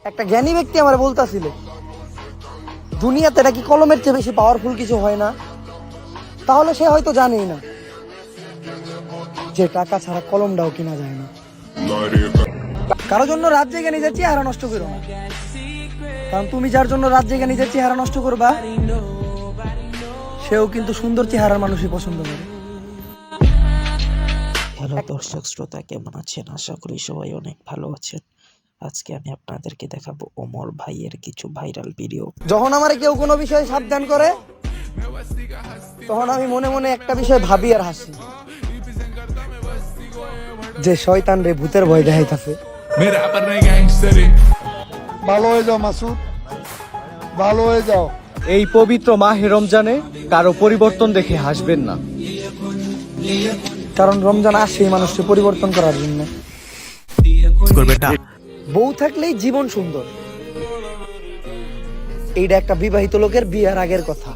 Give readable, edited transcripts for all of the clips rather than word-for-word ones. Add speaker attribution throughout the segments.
Speaker 1: একটা জ্ঞানী ব্যক্তি আমার বলতাছিল, দুনিয়াতে এটা কি কলমের চেয়ে বেশি পাওয়ারফুল কিছু হয় না? তাহলে সে হয়তো জানেই না যে টাকা ছাড়া কলমটাও কিনা যায় না। কারোর জন্য রাত জেগে নিজের চেহারা নষ্ট করো না, কারণ তুমি যার জন্য রাত জেগে নিজের চেহারা নষ্ট করবা, সেও কিন্তু সুন্দর চেহারার মানুষই পছন্দ করে।
Speaker 2: হ্যালো দর্শক শ্রোতা, কেমন আছেন? আশা করি সবাই অনেক ভালো আছেন। আজকে আমি আপনাদেরকে দেখাবো ওমর ভাইয়ের কিছু ভাইরাল ভিডিও।
Speaker 1: যখন আমার কেউ কোনো বিষয়ে সাবধান করে, তখন আমি মনে মনে একটা বিষয় ভাবি আর হাসি, যে শয়তান রে ভূতের ভয় দেখাইতাছে।
Speaker 3: ভালো হয়ে যাও মাসুদ, ভালো হয়ে যাও।
Speaker 4: এই পবিত্র মাহে রমজানে কারো পরিবর্তন দেখে হাসবেন না,
Speaker 1: কারণ রমজান আসে এই মানুষকে পরিবর্তন করার জন্য। বউ থাকলেই জীবন সুন্দর, এইটা একটা বিবাহিত লোকের বিয়ের আগের কথা।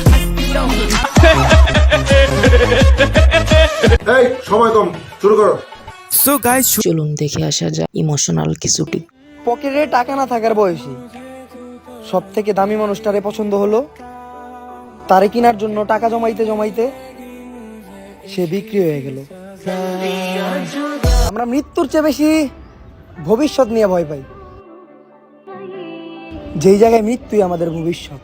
Speaker 3: এই সময় কম, শুরু করো।
Speaker 2: চলুন দেখে আসা যায় ইমোশনাল কিছুটি।
Speaker 1: পকেটে টাকা না থাকার বয়সী সব থেকে দামি মানুষটারে পছন্দ হলো, তারে কেনার জন্য টাকা জমাইতে জমাইতে সে বিক্রি হয়ে গেল। আমরা মৃত্যুর চেয়ে বেশি ভবিষ্যৎ নিয়ে ভয় পাই, যেই জায়গায় মৃত্যুই আমাদের ভবিষ্যৎ।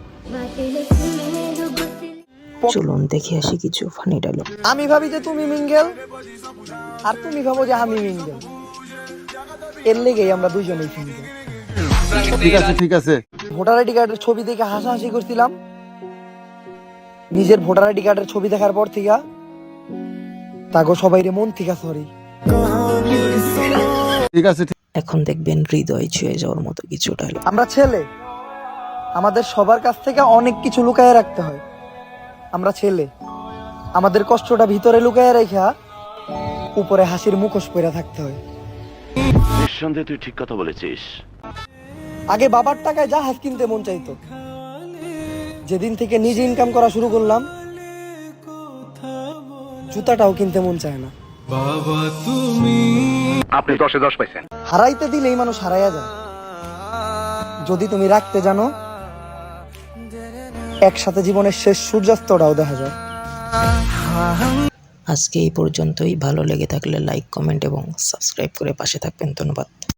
Speaker 2: চলুন দেখে আসি কিছু ফানি ডায়লগ।
Speaker 1: আমি ভাবি যে তুমি মিঙ্গেল, আর তুমি ভাবো যে আমি মিঙ্গেল, এর লেগেই আমরা দুইজনেই সিঙ্গেল।
Speaker 3: ঠিক আছে ঠিক আছে।
Speaker 1: ভোটার আইডি কার্ডের ছবি দেখে হাসাহাসি করছিলাম, নিজের ভোটার আইডি কার্ডের ছবি দেখার পর থেকে তাগো সবাই রে মন থেকে সরি।
Speaker 3: ঠিক আছে।
Speaker 2: এখন দেখবেন হৃদয় ছুঁয়ে যাওয়ার মতো কিছু ডায়লগ।
Speaker 1: আমরা ছেলে, আমাদের সবার কাছ থেকে অনেক কিছু লুকায় রাখতে হয়। আমরা ছেলে, আমাদের কষ্টটা ভিতরে লুকায় রেখা উপরে হাসির মুখোশ পরে থাকতে হয়।
Speaker 5: নিঃসন্দেহে তুই ঠিক কথা বলেছিস।
Speaker 1: আগে বাবার টাকায় জাহাজ কিনতে মন চাইতো, যেদিন থেকে নিজে ইনকাম করা শুরু করলাম, জুতাটাও কিনতে মন চায় না।
Speaker 5: আপনি 10-এ 10 পাইছেন।
Speaker 1: হারাইতে দিলেই মানুষ হারাইয়া যায়, যদি তুমি রাখতে জানো, একসাথে জীবনের শেষ সূর্যাস্তটাও দেখা যায়।
Speaker 2: আজকে এই পর্যন্তই। ভালো লেগে থাকলে লাইক, কমেন্ট এবং সাবস্ক্রাইব করে পাশে থাকবেন। ধন্যবাদ।